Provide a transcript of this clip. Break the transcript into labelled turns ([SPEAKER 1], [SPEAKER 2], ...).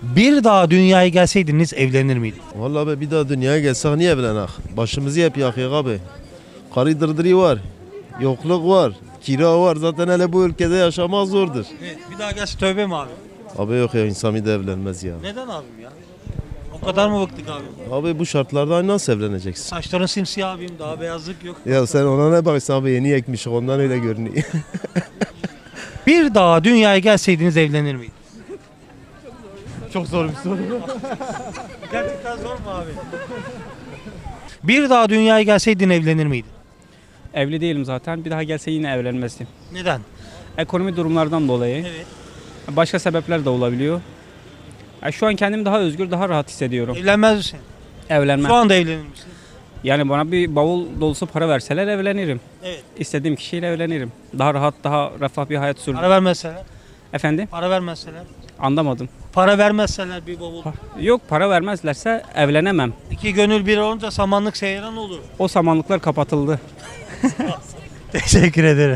[SPEAKER 1] Bir daha dünyaya gelseydiniz evlenir miydiniz?
[SPEAKER 2] Vallahi be bir daha dünyaya gelsek niye evlenek? Başımızı hep yakıyor abi. Karı dırdırı var. Yokluk var. Kira var. Zaten hele bu ülkede yaşamak zordur.
[SPEAKER 1] Evet, bir daha gelse tövbe mi abi?
[SPEAKER 2] Abi yok ya insan bir de evlenmez ya.
[SPEAKER 1] Neden abim ya? O kadar mı bıktık abi?
[SPEAKER 2] Abi bu şartlarda nasıl evleneceksin?
[SPEAKER 1] Saçların simsiyah abim, daha beyazlık yok.
[SPEAKER 2] Ya sen ona ne bakıyorsun abi yeni ekmiş ondan öyle görünüyor.
[SPEAKER 1] Bir daha dünyaya gelseydiniz evlenir miydiniz?
[SPEAKER 2] Çok zor bir soru.
[SPEAKER 1] Gerçekten zor mu abi? Bir daha dünyaya gelseydin evlenir miydin?
[SPEAKER 3] Evli değilim zaten. Bir daha gelse yine evlenmezdim.
[SPEAKER 1] Neden?
[SPEAKER 3] Ekonomi durumlardan dolayı.
[SPEAKER 1] Evet.
[SPEAKER 3] Başka sebepler de olabiliyor. Şu an kendimi daha özgür, daha rahat hissediyorum.
[SPEAKER 1] Evlenmez misin?
[SPEAKER 3] Evlenmem.
[SPEAKER 1] Şu anda evlenir misin?
[SPEAKER 3] Yani bana bir bavul dolusu para verseler evlenirim.
[SPEAKER 1] Evet.
[SPEAKER 3] İstediğim kişiyle evlenirim. Daha rahat, daha refah bir hayat sürdüm.
[SPEAKER 1] Para vermezseler?
[SPEAKER 3] Efendim?
[SPEAKER 1] Para vermezseler?
[SPEAKER 3] Anlamadım.
[SPEAKER 1] Para vermezseler bir bavul.
[SPEAKER 3] Yok, para vermezlerse evlenemem.
[SPEAKER 1] İki gönül bir olunca samanlık seyran olur.
[SPEAKER 3] O samanlıklar kapatıldı.
[SPEAKER 1] Teşekkür ederim.